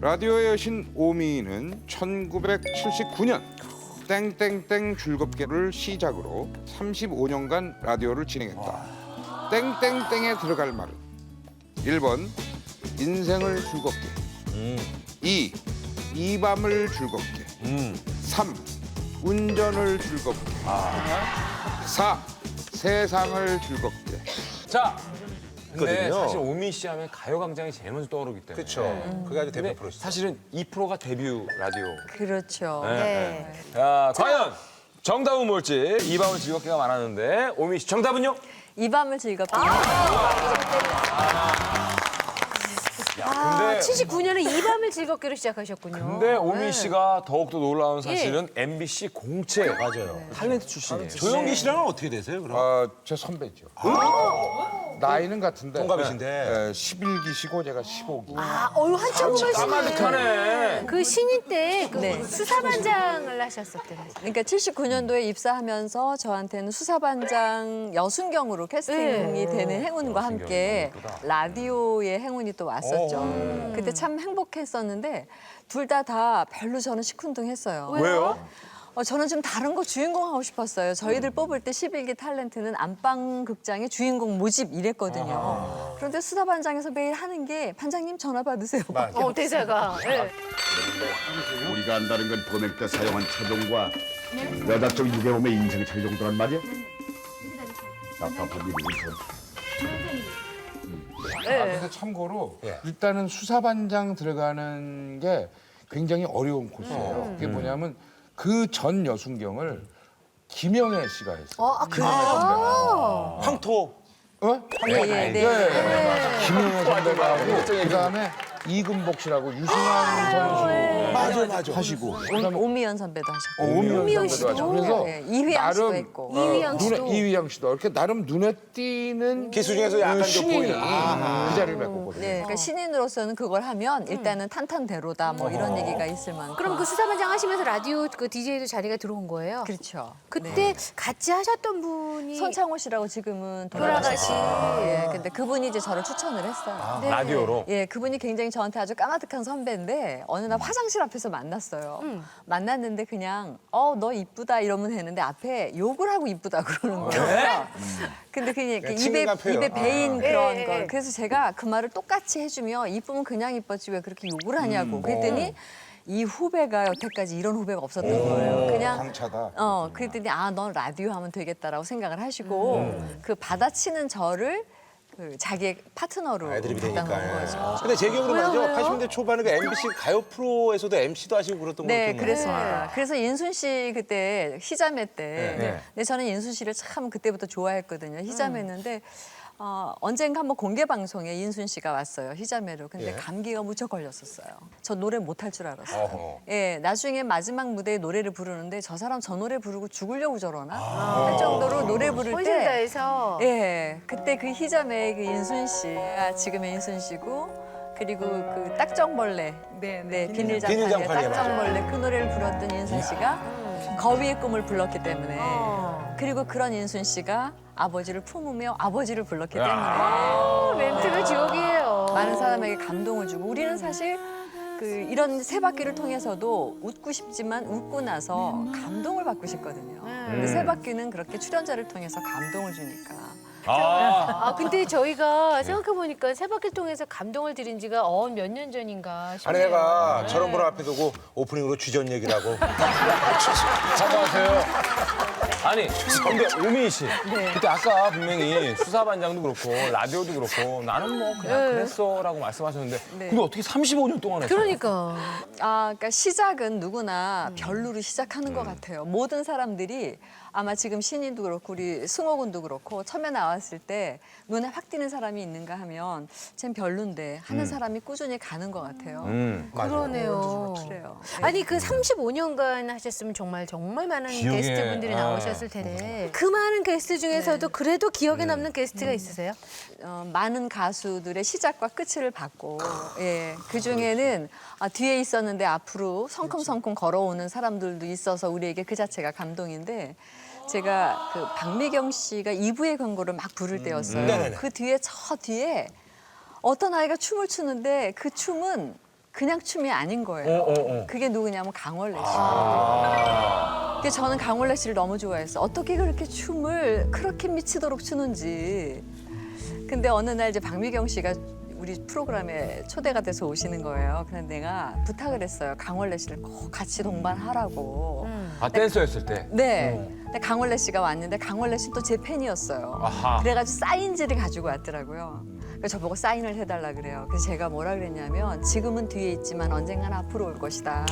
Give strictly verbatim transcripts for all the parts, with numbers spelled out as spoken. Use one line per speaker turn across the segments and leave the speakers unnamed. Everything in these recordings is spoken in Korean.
라디오의 여신 오미는 천구백칠십구 년 땡땡땡 즐겁게를 시작으로 삼십오 년간 라디오를 진행했다. 땡땡땡에 들어갈 말은 일 번 인생을 즐겁게,
음.
이 이 밤을 즐겁게,
음.
삼 운전을 즐겁게, 사 세상을 즐겁게.
자, 근데
있거든요.
사실 오미 씨 하면 가요광장이 제일 먼저 떠오르기 때문에.
그렇죠. 그게 아주 대표
근데
프로시죠.
사실은 이 프로가 데뷔 라디오.
그렇죠.
네. 자, 과연 정답은 뭘지 이 밤을 즐겁게가 많았는데 오미 씨 정답은요?
이 밤을 즐겁게.
아, 칠십구 년에 이 밤을 즐겁게로 시작하셨군요.
근데 오미
네.
씨가 더욱더 놀라운 사실은 엠비씨 공채
맞아요.
탤런트 출신이에요.
조영기 씨랑은 어떻게 되세요, 그럼?
어, 제 선배죠. 나이는 같은데.
동갑이신데.
네, 십일 기시고 제가 십오 기.
아, 어유 한참 보시네.
까마득하네.
그 신인 때그
네.
수사반장을 하셨었대요.
그러니까 칠십구 년도에 입사하면서 저한테는 수사반장 여순경으로 캐스팅이 되는 행운과 함께 라디오의 행운이 또 왔었죠. 그때 참 행복했었는데 둘 다 다 별로 저는 시큰둥했어요.
왜요?
어, 저는 좀 다른 거 주인공 하고 싶었어요. 저희들 뽑을 때 십일 기 탤런트는 안방 극장의 주인공 모집 이랬거든요. 그런데 수사반장에서 매일 하는 게 반장님 전화 받으세요.
어, 대사가. 네.
우리가 안다는 건 보낼 때 사용한 차종과 여자 쪽 유괴범의 인생 차이 정도란 말이야? 답답한 일이군.
아, 근데 참고로
예.
일단은 수사반장 들어가는 게 굉장히 어려운 코스예요. 그게 뭐냐면 그 전 여순경을 김영애 씨가 했어요.
어, 아, 그래요?
황토.
어?
예, 예, 네.
김영애 선배가 하고 그다음에 이금복 씨라고 유승환 선수
맞아, 맞아.
하시고
오- 오미연 선배도 하셨고.
어, 오미연
오미연
선배도 하시고
씨도.
그래서
네, 이휘양 씨도
나름
했고.
어,
이휘양 씨도.
눈에, 이휘양 씨도 이렇게 나름 눈에 띄는
기수 중에서 약간 좀
신인이
보이는. 아하.
그 자리를 메꿨거든요.
네, 그러니까 신인으로서는 그걸 하면 일단은 탄탄대로다 뭐 이런 얘기가 있을 만큼.
그럼 그 수사반장 하시면서 라디오 그 디제이도 자리가 들어온 거예요?
그렇죠.
그때 같이 하셨던 분이
손창호 씨라고 지금은
돌아가신.
예, 근데 그분이 이제 저를 추천을 했어요.
네.
라디오로.
예, 그분이 굉장히 저한테 아주 까마득한 선배인데 어느 날 화장실 앞에서 만났어요. 만났는데 그냥 어, 너 이쁘다 이러면 되는데 앞에 욕을 하고 이쁘다 그러는 거예요. 근데 그냥 이렇게 입에,
친근한 표현.
입에 배인
아.
그런
예,
거.
예.
그래서 제가 그 말을 똑같이 해주면 이쁘면 그냥 이뻤지 왜 그렇게 욕을 하냐고. 그랬더니 이 후배가 여태까지 이런 후배가 없었던 거예요. 그냥
강차다.
어, 그랬더니 아, 넌 라디오 하면 되겠다라고 생각을 하시고 그 받아치는 저를 그 자기의 파트너로
애드립이
갖다 놓은
되니까.
거죠.
근데 제 기억으로 말이죠.
왜요?
팔십 년대 초반에 그 엠비씨 가요 프로에서도 엠씨도 하시고 그랬던 거
네,
기억나요?
그랬습니다. 그래서 인순 씨 그때 희자매 때,
네.
근데 저는 인순 씨를 참 그때부터 좋아했거든요. 희자매였는데 어, 언젠가 한번 공개 방송에 인순 씨가 왔어요. 희자매로. 근데
예.
감기가 무척 걸렸었어요. 저 노래 못할 줄 알았어요.
어허.
예, 나중에 마지막 무대에 노래를 부르는데 저 사람 저 노래 부르고 죽으려고 저러나 할 정도로 노래 부를
혼신
때
다해서.
예, 그때 그 희자매의 그 인순 씨가 지금의 인순 씨고 그리고 그 딱정벌레, 네, 네 비닐장판의
비닐장판이야, 맞아.
딱정벌레 그 노래를 불렀던 인순 씨가 거위의 꿈을 불렀기 때문에
어.
그리고 그런 인순 씨가 아버지를 품으며 아버지를 불렀기 때문에
어, 멘트가 지옥이에요.
많은 사람에게 감동을 주고 우리는 사실 그 이런 세 바퀴를 통해서도 웃고 싶지만 웃고 나서 감동을 받고 싶거든요. 근데 세 바퀴는 그렇게 출연자를 통해서 감동을 주니까.
아,
아, 근데 저희가 생각해보니까 세바퀴를 통해서 감동을 드린 지가 어, 몇 년 전인가 싶네요.
아내가 저런 분 앞에 두고 오프닝으로 주전 얘기를 하고
사과하세요. 아니, 근데 오미 씨, 그때 아까 분명히 수사반장도 그렇고 라디오도 그렇고 나는 뭐 그냥 그랬어라고 말씀하셨는데
네.
근데 어떻게 삼십오 년 동안 했어요?
그러니까.
아, 그러니까 시작은 누구나 별로로 시작하는 것 같아요. 모든 사람들이 아마 지금 신인도 그렇고 우리 승호 군도 그렇고 처음에 나왔을 때 눈에 확 띄는 사람이 있는가 하면 쟨 별론데 하는 사람이 꾸준히 가는 것 같아요.
음.
그러네요.
그래요.
아니 그 삼십오 년간 하셨으면 정말 정말 많은
기억에,
게스트분들이
아.
나오셨을 텐데 그 많은 게스트 중에서도 그래도 기억에 남는 게스트가 있으세요?
어, 많은 가수들의 시작과 끝을 봤고 예, 그 중에는 아, 뒤에 있었는데 앞으로 성큼성큼 걸어오는 사람들도 있어서 우리에게 그 자체가 감동인데 제가 그 박미경 씨가 이 부의 광고를 막 부를 때였어요.
네네네.
그 뒤에 저 뒤에 어떤 아이가 춤을 추는데 그 춤은 그냥 춤이 아닌 거예요.
어, 어, 어.
그게 누구냐면 강원래 씨.
아.
근데 저는 강원래 씨를 너무 좋아했어. 어떻게 그렇게 춤을 그렇게 미치도록 추는지. 근데 어느 날 이제 박미경 씨가 우리 프로그램에 초대가 돼서 오시는 거예요. 그래서 내가 부탁을 했어요. 강원래 씨를 꼭 같이 동반하라고.
아, 댄서였을 때.
네. 근데 강원래 씨가 왔는데 강원래 씨 또 제 팬이었어요.
아하.
그래가지고 사인지를 가지고 왔더라고요. 그래서 저보고 사인을 해달라 그래요. 그래서 제가 뭐라 그랬냐면 지금은 뒤에 있지만 언젠간 앞으로 올 것이다.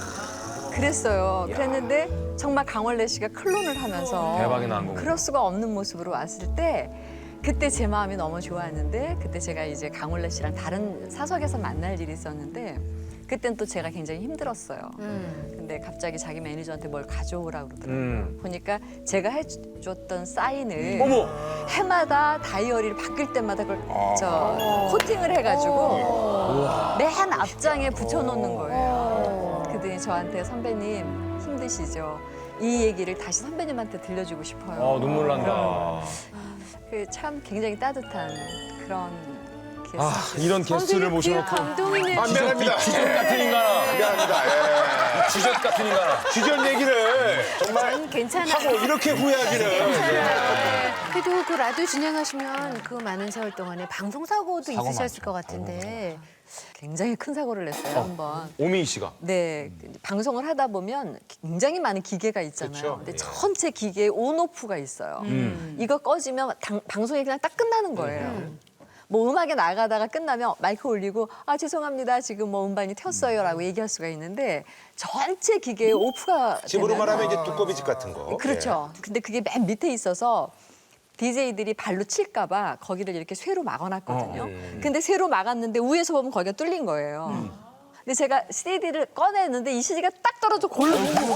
그랬어요. 그랬는데 정말 강원래 씨가 클론을 하면서
대박이 난 거구나.
그럴 수가 없는 모습으로 왔을 때 그때 제 마음이 너무 좋았는데 그때 제가 이제 강원래 씨랑 다른 사석에서 만날 일이 있었는데 그땐 또 제가 굉장히 힘들었어요. 근데 갑자기 자기 매니저한테 뭘 가져오라고 그러더라고요.
음.
보니까 제가 해줬던 사인을
어머!
해마다 다이어리를 바뀔 때마다 그걸 저 코팅을 해가지고 맨 앞장에 붙여놓는 거예요. 그랬더니 저한테 선배님 힘드시죠? 이 얘기를 다시 선배님한테 들려주고 싶어요.
어, 눈물 난다.
그 참 굉장히 따뜻한 그런 게스트.
아, 이런 게스트를 모셔놓고.
감동이네.
아, 미안합니다.
주전 같은 인간아.
미안합니다. 예.
주전 같은 인간아.
주전 얘기를 정말
난 괜찮아.
하고 이렇게 후회하기는.
네. 그래도 그 라디오 진행하시면 그 많은 세월 동안에 방송 사고도 있으셨을 것 같은데.
굉장히 큰 사고를 냈어요 한번.
오미희 씨가.
네, 방송을 하다 보면 굉장히 많은 기계가 있잖아요.
그쵸.
근데
예.
전체 기계에 온오프가 있어요. 이거 꺼지면 당- 방송이 그냥 딱 끝나는 거예요. 뭐 음악에 나가다가 끝나면 마이크 올리고 아 죄송합니다 지금 뭐 음반이 튀었어요라고 얘기할 수가 있는데 전체 기계에 오프가
집으로
되면은-
말하면 이제 두꺼비 집 같은 거.
그렇죠. 근데 그게 맨 밑에 있어서 디제이들이 발로 칠까 봐 거기를 이렇게 쇠로 막아놨거든요. 근데 쇠로 막았는데 위에서 보면 거기가 뚫린 거예요. 근데 제가 씨디를 꺼내는데 이 씨디가 딱 떨어져 골로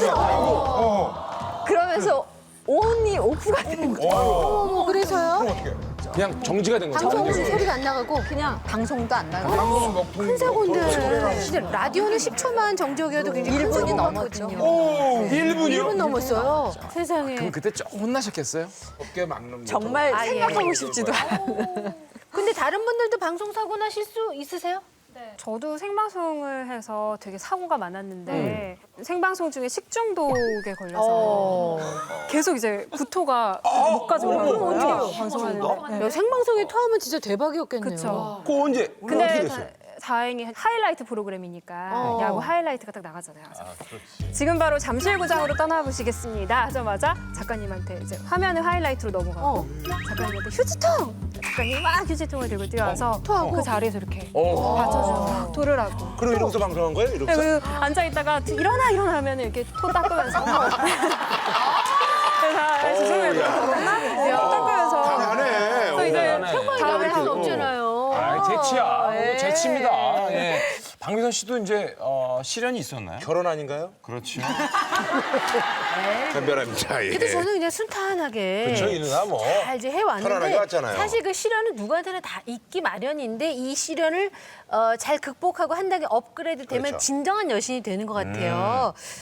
그러면서 온이 오프가 된 거예요.
어머, 그래서요?
그냥 정지가 된 거죠.
방송 소리가 안 나가고
그냥 방송도 안 나가고
방송은 먹통
큰 사고인데. 진짜 라디오는 십 초만 정적이어도 굉장히 큰
일 분이
사고
넘었죠.
같거든요.
일 분이요?
일 분 넘었어요. 세상에.
그럼 그때 조금 혼나셨겠어요?
어깨 막는 거.
정말
아, 예.
생각하고 싶지도 않아요.
근데 다른 분들도 방송 사고 나실 수 있으세요?
저도 생방송을 해서 되게 사고가 많았는데 생방송 중에 식중독에 걸려서 계속 이제 구토가 목까지 올라오는 거예요. 방송하는데.
야, 생방송에 토하면 진짜 대박이었겠네요.
그쵸.
그거 언제? 어떻게
근데
됐어요?
다행히 하이라이트 프로그램이니까
어.
야구 하이라이트가 딱 나가잖아요. 그래서 지금 바로 잠실구장으로 떠나보시겠습니다 하자마자 작가님한테 이제 화면을 하이라이트로 넘어가고
어.
작가님한테 휴지통! 작가님이 막 휴지통을 들고 뛰어와서
토하고?
그 자리에서 이렇게
어.
받쳐주고 토를 하고
그럼 이러고서 방송한 거예요?
네,
이러고서?
그리고 앉아있다가 일어나 일어나 하면 이렇게 토 닦으면서 그래서 아, 죄송해요 토 닦으면서
강하네.
또 이제
어,
평범하게 나갈 수 없잖아요.
아, 재치야. 이거 재치입니다. 예. 박미선 씨도 이제 어, 시련이 있었나요?
결혼 아닌가요?
그렇죠.
변별합니다. 예.
근데 저는 그냥 순탄하게
그렇죠, 이 누나 뭐.
잘 이제
편안하게
해왔는데
왔잖아요.
사실 그 시련은 누구한테나 다 있기 마련인데 이 시련을 어, 잘 극복하고 한 단계 업그레이드 되면
그렇죠.
진정한 여신이 되는 것 같아요.